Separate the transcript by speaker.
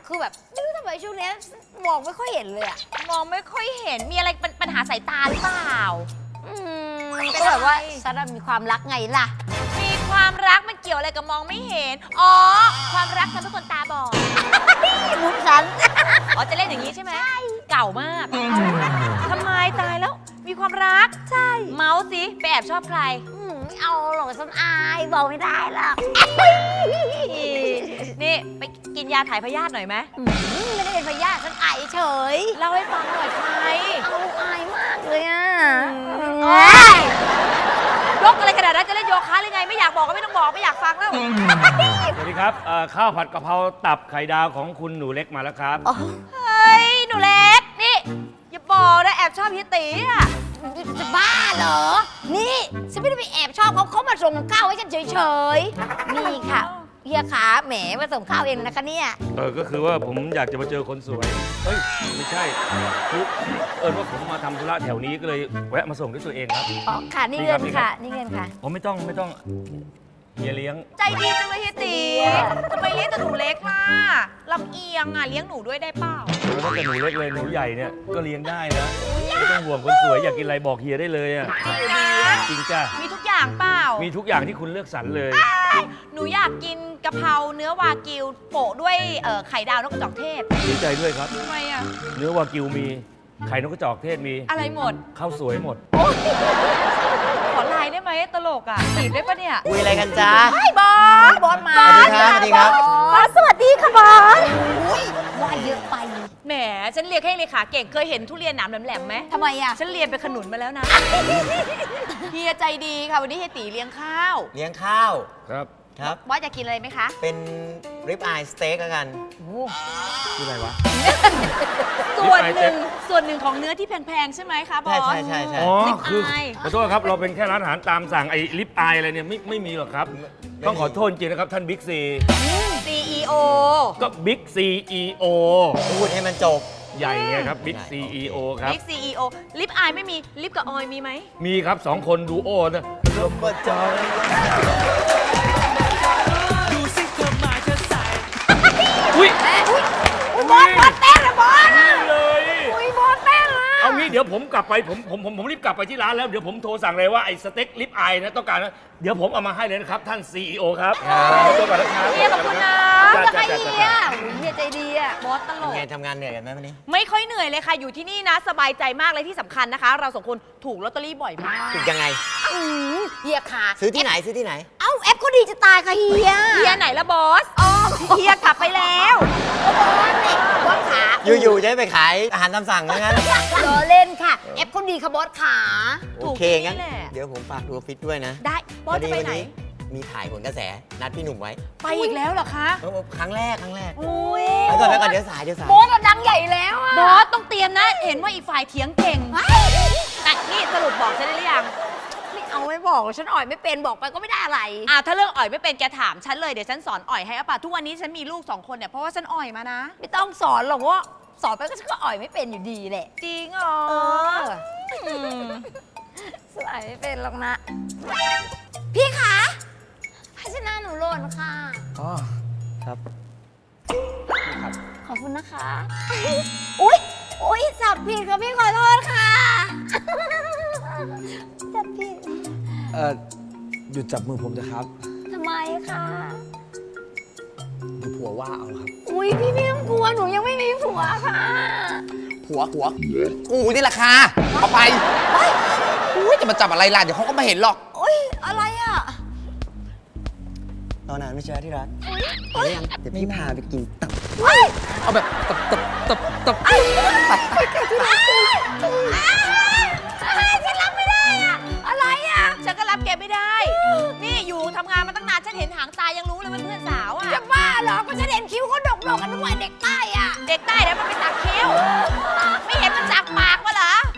Speaker 1: คือแบบไม่รู้ทำไมช่วงนี้มองไม่ค่อยเห็นเลยอะ
Speaker 2: มองไม่ค่อยเห็นมีอะไรปัญหาสายตาหรือเปล่า
Speaker 1: ก็แบบว่าฉันมีความรักไงล่ะ
Speaker 2: มีความรักมันเกี่ยวอะไรกับมองไม่เห็นอ๋อความรักทำให้คนตาบอด
Speaker 1: มุกฉัน
Speaker 2: อ๋อจะเล่นอย่างนี้ใช่ไหมใช่เก่ามากทำไมตายแล้วมีความรักใช่เมาส์สิไปแอบชอบใคร
Speaker 1: ไม่เอาหรอกฉันอายบอกไม่ได้หรอก
Speaker 2: นี่ไปกินยาถ่ายพยาธิหน่อยไหม
Speaker 1: ไม่ได้เป็นพยาธิฉันอายเฉย
Speaker 2: เล่าให้ฟังหน่อยใคร
Speaker 1: เอาอายมากเลยอ่ะ
Speaker 2: ยกอะไรขนาดนั้นจะเล่นโยคะหรือไงไม่อยากบอกก็ไม่ต้องบอกไม่อยากฟังแล้ว
Speaker 3: สวัสดีครับข้าวผัดกะเพราตับไข่ดาวของคุณหนูเล็กมาแล้วครับ
Speaker 2: เฮ้ยหนูเล็กนี่อย่าบอกนะแอบชอบเฮียตีอ่ะ
Speaker 1: จะบ้าเหรอ นี่ฉันไม่ได้ไปแอบชอบเขามาส่งข้าวให้ฉันเฉยๆ นี่ค่ะเฮียขาแหมมาส่งข้าวเองนะคะเนี่ย
Speaker 3: ก็คือว่าผมอยากจะมาเจอคนสวย เฮ้ย ไม่ใช่คือว่าผมมาทำธุระแถวนี้ก็เลยแวะมาส่งด้วยตัวเองครับ
Speaker 1: อ๋อค่ะนี่เงินค่ะ นี่เงินค่ะ
Speaker 3: ผมไม่ต้องเฮียเลี้ยง
Speaker 2: ใจดีจังเลยเฮียตีทำไมเลี้ยงแต่หนูเล็กล่ะลำเอียงอ่ะเลี้ยงหนูด้วยได้เปล่า
Speaker 3: แล้วถ้าเกิดหนูเล็กเลยหนูใหญ่เนี่ยก็เลี้ยงได้นะไม่ต้องห่วงคนสวยอยากกินอะไรบอกเฮียได้เลยอ่ะจริงจ้ะ
Speaker 2: มีทุกอย่างเปล่า
Speaker 3: มีทุกอย่างที่คุณเลือกสรรเลย
Speaker 2: หนูอยากกินกะเพราเนื้อวากิวโปะด้วยไข่ดาวนกกระจอกเทศ
Speaker 3: ดีใจด้วยครับ
Speaker 2: ทำไมอ่ะ
Speaker 3: เนื้อวากิวมีไข่นกกระจอกเทศมี
Speaker 2: อะไรหมด
Speaker 3: ข้าวสวยหมด
Speaker 2: ขอไลน์ได้ไหมตลกอ่ะจีบได้ปะเนี่ย
Speaker 4: คุยอะไรกันจ๊ะ
Speaker 2: ไอ้บอส
Speaker 1: บอสมา
Speaker 4: สวัสดีครับ
Speaker 1: บอสสวัสดีค่ะบอสอุ้ยว่าเยอะไป
Speaker 2: แหมฉันเรียนแค่เลขาเก่งเคยเห็นทุเรียนหนามแหลมๆไหม
Speaker 1: ทำไมอ่ะ
Speaker 2: ฉันเรียนไปขนุนมาแล้วนะ เฮียใจดีค่ะวันนี้เฮียตีเลี้ยงข้าว
Speaker 4: เลี้ยงข้าว
Speaker 3: ครับ
Speaker 4: ครับ
Speaker 2: บอสจะกินอะไรไหมคะ
Speaker 4: เป็นริบอายสเต็กแล้วกัน
Speaker 3: ชื่ออะไรวะ
Speaker 2: ส่วน
Speaker 3: Rib eye
Speaker 2: หนึ่งส่วนหนึ่งของเนื้อที่แพงๆใช่ไหมคะบอส
Speaker 4: ใช่
Speaker 3: อ๋อ
Speaker 2: Rib
Speaker 3: คือ
Speaker 2: eye
Speaker 3: ขอโทษครับ เราเป็นแค่ร้านอาหารตามสั่งไอ้ลิปอายอะไรเนี่ยไม่มีหรอกครับ ต้องขอโทษจริงนะครับ ท่านบิ๊กซี
Speaker 2: CEO
Speaker 3: ก็บิ๊กซีอีโอ
Speaker 4: พูดให้มันจบ
Speaker 3: ใหญ่ไงครับบิ๊กซีอีโอครับ
Speaker 2: Big CEO ลิปอายไม่มีลิปกับออยมีไหม
Speaker 3: มีครับสองคนดูโอนะ
Speaker 4: ลมประจอย
Speaker 3: อุ้ย
Speaker 1: บอสเต้นนะบอส
Speaker 3: นี่เลย
Speaker 1: อุ้ยบอสเต้นอ่ะ
Speaker 3: เอางี้เดี๋ยวผมกลับไปผมรีบกลับไปที่ร้านแล้วเดี๋ยวผมโทรสั่งเลยว่าไอ้สเต็กลิปอายนะต้องการนะเดี๋ยวผมเอามาให้เลยนะครับท่าน CEO ครับตัวก่อนนะครับ
Speaker 2: เฮียขอบคุณนะ
Speaker 3: จ้า
Speaker 1: แล้วใคร
Speaker 3: จ้า
Speaker 1: เฮี
Speaker 3: จ้าย
Speaker 1: เฮียใจดีอ่ะ
Speaker 2: บอสตลก
Speaker 4: ไงทำงานเหนื่อยกันไหมวันนี้
Speaker 2: ไม่ค่อยเหนื่อยเลยค่ะ อยู่ที่นี่นะ สบายใจมากเลยที่สำคัญนะคะ เราสองคนถูกลอตเตอรี่บ่อยมาก
Speaker 4: ถูกยังไง
Speaker 1: เฮียขา
Speaker 4: ซื้อที่ไหนซื้อที่ไหน
Speaker 1: เอ้าแอปเขาดีจะตายค่ะเฮีย
Speaker 2: เฮียไหนละบอสเฮียกลับไปแล้ว
Speaker 1: บอสขา
Speaker 4: อยู่ๆจะให้ไปขายอาหารตามสั่งว่างั้น
Speaker 1: ล้อเล่นค่ะแอปเขาดีค่ะบอสขา
Speaker 4: โอเคงั้น
Speaker 2: ถูกที่นี่แหละ
Speaker 4: เดี๋ยวผมฝากดูออฟฟิศด้วยนะ
Speaker 2: ได้บอสจะไปไหน
Speaker 4: วันนี้มีถ่ายผลกระแสนัดพี่หนุ่มไว้
Speaker 2: ไปอีกแล้วเหรอคะ
Speaker 4: ครั้งแรก
Speaker 2: อุ้ย
Speaker 4: ไปก่อนเดี๋ยวสาย
Speaker 1: บอสอะดังใหญ่แล้วอะ
Speaker 2: บอสต้องเตรียมนะ เห็นว่าอีกฝ่ายเถียงเก่งแต่นี่สรุปบอกฉันได้หรือยัง
Speaker 1: ไม่เอาไม่บอกฉันอ่อยไม่เป็นบอกไปก็ไม่ได้อะไร
Speaker 2: ถ้าเรื่องอ่อยไม่เป็นแกถามฉันเลยเดี๋ยวฉันสอนอ่อยให้อะป่ะทุกวันนี้ฉันมีลูก2 คนเนี่ยเพราะว่าฉันอ่อยมานะ
Speaker 1: ไม่ต้องสอนหรอกว่าสอนไปก็ฉันก็อ่อยไม่เป็นอยู่ดีแหละ
Speaker 2: จริงเหรอ
Speaker 1: มสอนไม่เป็นหรอกนะ พี่คะภาชนะหนูหล่นค่ะ
Speaker 4: อ๋อ ครับ
Speaker 1: ขอบคุณนะคะ อุ๊ยจับผิดค่ะพี่ขอโทษค่ะ จับผิด
Speaker 5: หยุดจับมือผมเถอะครับ
Speaker 1: ทำไมคะ
Speaker 5: เดี๋ยวผัวว่าเอาครับ
Speaker 1: อุ๊ยพี่ไม่ต้องกลัวหนูยังไม่มีผัวค่ะ
Speaker 5: ผัวกูนี่แหละค่ะเอาไปอุ้ยจะมาจับอะไรล่ะ เดี๋ยวเขาก็ไม่เห็นหรอก
Speaker 1: อุ๊ยอะไรอ่ะ
Speaker 4: ตอนนั้นไม่ใช่ที่รักไปหรือยังเดี๋ยวพี่พาไปกินตับ
Speaker 5: เอาแบบตับ
Speaker 1: ฉันรับไม่ได้อ่ะ อะไรอ่ะ
Speaker 2: ฉันก็รับแกไม่ได้ นี่อยู่ทำงานมาตั้งนานฉันเห็นหางตายังรู้เลยเป็นเพื่อนสาวอะ
Speaker 1: จะบ้าเหรอ ก็ฉันเห็นคิ้วเขาดกๆกันทุกวันเด็กใต้อ่ะ
Speaker 2: เด็กใต้แล้วมันไปตักคิ้ว